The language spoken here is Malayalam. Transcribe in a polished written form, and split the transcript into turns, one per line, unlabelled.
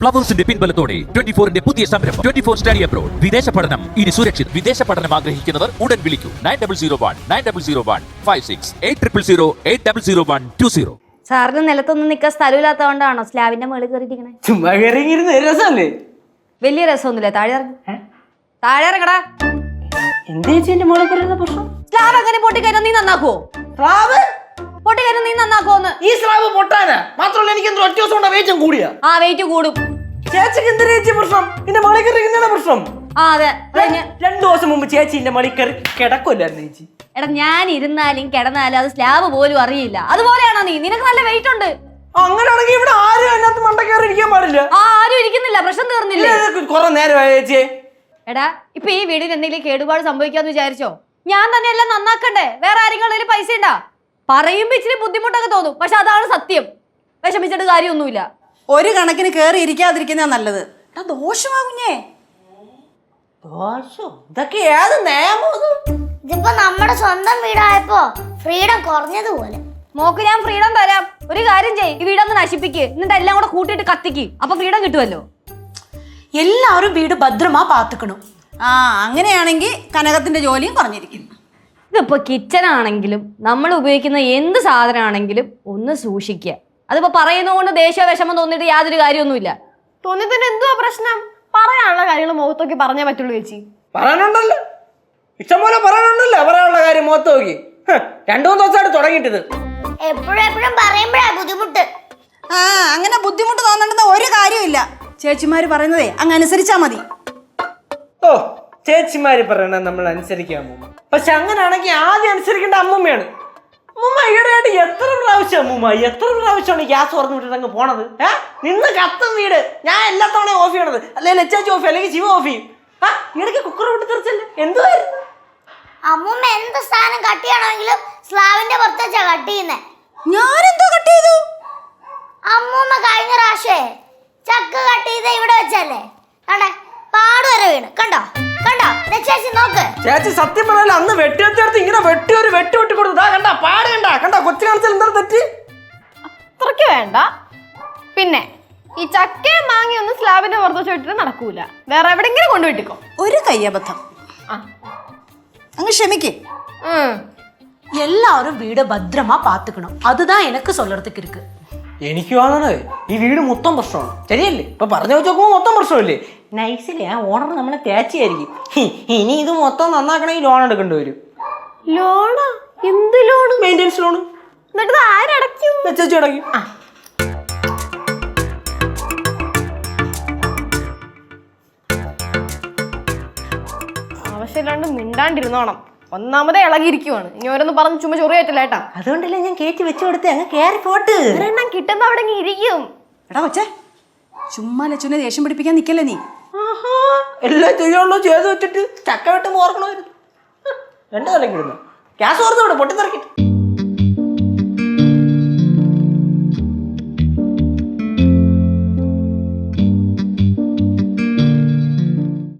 ഫ്ലവേഴ്സിന്റെ പിൻബലത്തോടെ 24ന്റെ പുതിയ സംരംഭം 24 സ്റ്റഡി അബ്രോഡ്. വിദേശ പഠനം ഇനി സുരക്ഷിത്. വിദേശ പഠനം ആഗ്രഹിക്കുന്നവർ ഉടൻ വിളിക്കൂ 9001 8001
സാറിന് നിലത്തൊന്നും നിൽക്കാൻ സ്ഥലമില്ലാത്തതുകൊണ്ടാണോ സ്ലാബിന്റെ മേളിൽ കയറിയിരിക്കണേ?
ചുമ്മാ കയറിയിരുന്ന രസമല്ലേ?
വലിയ രസമൊന്നുമില്ല. താഴെ താഴെ ഇറങ്ങടാ.
എന്താ ചേച്ചി മോളെ കയറുന്ന പ്രശ്നം?
സ്ലാബ് എങ്ങനെ പൊട്ടിക്കയറ്റാൻ നീ നന്നാക്കുവോ?
സ്ലാബ്
പൊട്ടിക്കയറ്റാൻ നീ നന്നാക്കുവോന്ന്?
ഈ സ്ലാബ് പൊട്ടാനാ? മാത്രമല്ല എനിക്ക് എന്തോ ഒറ്റ ദിവസം കൊണ്ട് വെയിറ്റും കൂടിയാ.
ആ വെയിറ്റ് കൂടും.
ചേച്ചിക്ക് എന്തിനാ ചേച്ചി പ്രശ്നം? എന്റെ മോളെ കയറിക്കുന്നതാണ് പ്രശ്നം.
ആ അതെ.
2 ദിവസം മുമ്പ് ചേച്ചി എന്റെ മോളെ കയറി കിടക്കില്ലായിരുന്നു ചേച്ചി.
എടാ ഞാൻ ഇരുന്നാലും കിടന്നാലും അത് സ്ലാബ് പോലും അറിയില്ല. അതുപോലെയാണോ നീ? നിനക്ക് നല്ല വെയിറ്റ് ഉണ്ട്.
അങ്ങനെയാണെങ്കിൽ ഇവിടെ ആരും അതിനകത്ത് മണ്ട കയറി ഇരിക്കാൻ പാടില്ല.
ആരും ഇരിക്കുന്നില്ല. പ്രശ്നം തീർന്നില്ലേ?
കുറെ നേരമായ ചേച്ചി.
എടാ ഇപ്പൊ ഈ വീടിന് എന്തെങ്കിലും കേടുപാട് സംഭവിക്കാന്ന് വിചാരിച്ചോ? ഞാൻ തന്നെ എല്ലാം നന്നാക്കണ്ടേ? വേറെ ആരെങ്കിലും പൈസ ഉണ്ടാ? പറയുമ്പോ ഇച്ചിരി ബുദ്ധിമുട്ടൊക്കെ തോന്നും. പക്ഷെ അതാണ് സത്യം. വിഷമിച്ചിട്ട് കാര്യമൊന്നുമില്ല.
ഒരു കണക്കിന് കേറി ഇരിക്കാതിരിക്കുന്ന നല്ലത്. ദോഷമാകുഞ്ഞേ.
ദോഷം? ഇതൊക്കെ ഏത് നിയമം?
ഇതിപ്പോ നമ്മുടെ സ്വന്തം വീടായപ്പോ ഫ്രീഡം കുറഞ്ഞതുപോലെ.
മോക്ക് ഞാൻ ഫ്രീഡം തരാം. ഒരു കാര്യം ചെയ്യ്, ഈ വീടൊന്ന് നശിപ്പിക്ക്. എന്നിട്ട് എല്ലാം കൂടെ കൂട്ടിയിട്ട് കത്തിക്ക്. അപ്പൊ ഫ്രീഡം കിട്ടുമല്ലോ.
എല്ലാവരും വീട് ഭദ്രമാ പാത്തുക്കണം. അങ്ങനെയാണെങ്കിൽ കനകത്തിന്റെ ജോലിയും കുറഞ്ഞിരിക്കും.
ഇതിപ്പോ കിച്ചൺ ആണെങ്കിലും നമ്മൾ ഉപയോഗിക്കുന്ന എന്ത് സാധനമാണെങ്കിലും ഒന്ന് സൂക്ഷിക്കുക. അതിപ്പോ പറയുന്നതുകൊണ്ട് ദേഷ്യ വിഷമം തോന്നിയിട്ട് യാതൊരു കാര്യമൊന്നുമില്ല.
തോന്നിത്തന്നെ എന്തുവാ പ്രശ്നം? പറയാനുള്ള കാര്യങ്ങൾ മുഖത്തോക്കി പറഞ്ഞേ പറ്റുള്ളൂ ചേച്ചി.
പറയാനുണ്ടല്ലോ, ഇഷ്ടംപോലെ പറയാനുണ്ടല്ലോ. പറയാനുള്ള കാര്യം മുഖത്ത് നോക്കി 2-3 ദിവസമായിട്ട് തുടങ്ങിയിട്ടത്.
എപ്പോഴും പറയുമ്പോഴാ ബുദ്ധിമുട്ട്.
അങ്ങനെ ബുദ്ധിമുട്ട് തോന്നേണ്ടുന്ന ഒരു കാര്യമില്ല. ചേച്ചിമാര് പറയുന്നതേ അങ്ങ് അനുസരിച്ചാ മതി.
ഓ, ചേച്ചിമാര് പറയണ നമ്മൾ അനുസരിക്കാൻ പോകും. പക്ഷെ അങ്ങനെയാണെങ്കിൽ ആദ്യം അനുസരിക്കേണ്ട അമ്മൂമ്മയാണ്. അമ്മൂമ്മ ഈടെയായിട്ട് എത്ര പ്രാവശ്യമാണ് ഗ്യാസ് തുറന്നു വിട്ടിട്ട് അങ്ങ് പോണത്? നിന്ന് കത്തും വീട്. ഞാൻ എല്ലാ തവണയും ഓഫ് ചെയ്യണത്. അല്ലെങ്കിൽ ലച്ചാച്ചി ഓഫ് അല്ലെങ്കിൽ ശിവ ഓഫ് ചെയ്യും. ഇടയ്ക്ക് കുക്കർ വിട്ട് തെറിച്ചല്ലേ? എന്തുവായിരുന്നു?
അമ്മൂമ്മ എന്ത് സാധനം കട്ട് ചെയ്യണമെങ്കിലും സ്ലാവിന്റെ പുറത്ത് വെച്ചാ കട്ട് ചെയ്യുന്നേ.
ഞാനെന്തോ കട്ട് ചെയ്തു?
അമ്മൂമ്മ കഴിഞ്ഞ പ്രാവശ്യേ ചക്ക് കട്ട് ചെയ്ത ഇവിടെ വെച്ചല്ലേ? കണ്ടേ പാട് വരെ വീണ്. കണ്ടോ ചേച്ചി നോക്ക്.
ചേച്ചി സത്യം പറഞ്ഞാൽ അന്ന് വെട്ടിയെടുത്ത് ഇങ്ങനെ വെട്ടി കൊടുത്തു. കണ്ടാ പാട് കണ്ടാ കൊച്ചു കാണിച്ചാൽ എന്താ തെറ്റ്?
അത്രയ്ക്ക് വേണ്ട. പിന്നെ ഈ ചക്കയും മാങ്ങയൊന്നും സ്ലാബിന്റെ പുറത്ത് വെച്ച് വിട്ടിട്ട് നടക്കൂല. വേറെ എവിടെങ്കിലും കൊണ്ടുവിട്ടിക്കോ.
ഒരു കയ്യബദ്ധം. അങ്ങ് ക്ഷമിക്കേ.
எல்லாரும் வீட பத்திரமா பாத்துக்கணும். அதுதான் எனக்கு சொல்றதுக்கு இருக்கு.
എനിക്ക് തോന്നണത് ഈ വീട് മൊത്തം പ്രശ്നമാണ്. ശരിയല്ലേ? ഇപ്പൊ പറഞ്ഞു വെച്ച് നോക്കുമ്പോ മൊത്തം പ്രശ്നമില്ലേ? നൈസില്ലേ ആ ഓണർ നമ്മളെ തേച്ചായിരിക്കും. ഇനി ഇത് മൊത്തം നന്നാക്കണമെങ്കിൽ ലോൺ എടുക്കേണ്ടി വരും.
ലോണാ? എന്ത് ലോണ്?
Maintenance loan.
എന്നിട്ട് ആരടയ്ക്കും?
ചേച്ചി അടയ്ക്കും.
ആവശ്യമില്ലാണ്ട് മിണ്ടാണ്ടിരുന്നോണം. ഒന്നാമതേ ഇളകിയിരിക്കുവാണ്. ഇനി ഓരോന്ന് പറഞ്ഞ് ചുമ്മാ ചൊറിയായിട്ടില്ല ഏട്ടാ.
അതുകൊണ്ടല്ലേ ഞാൻ കയറ്റി വെച്ചു കൊടുത്തേ. അങ്ങ് കയറി പോട്ട്.
ഒരെണ്ണം കിട്ടുമ്പോ അവിടെ ഇരിക്കും.
എടാ കൊച്ചേ, ചുമ്മാ ലച്ചുനെ ദേഷ്യം പിടിപ്പിക്കാൻ നിക്കല്ലേ നീ.
എല്ലാം ചെയ്യുള്ളൂ ചെയ്ത് വെച്ചിട്ട് ചക്ക വെട്ടുമ്പോ ഓർക്കണമായിരുന്നു. 2 കൊല്ലം കിടുന്നു ഗ്യാസ് ഓർത്ത് വിടും പൊട്ടിത്തെറിക്കിട്ട്.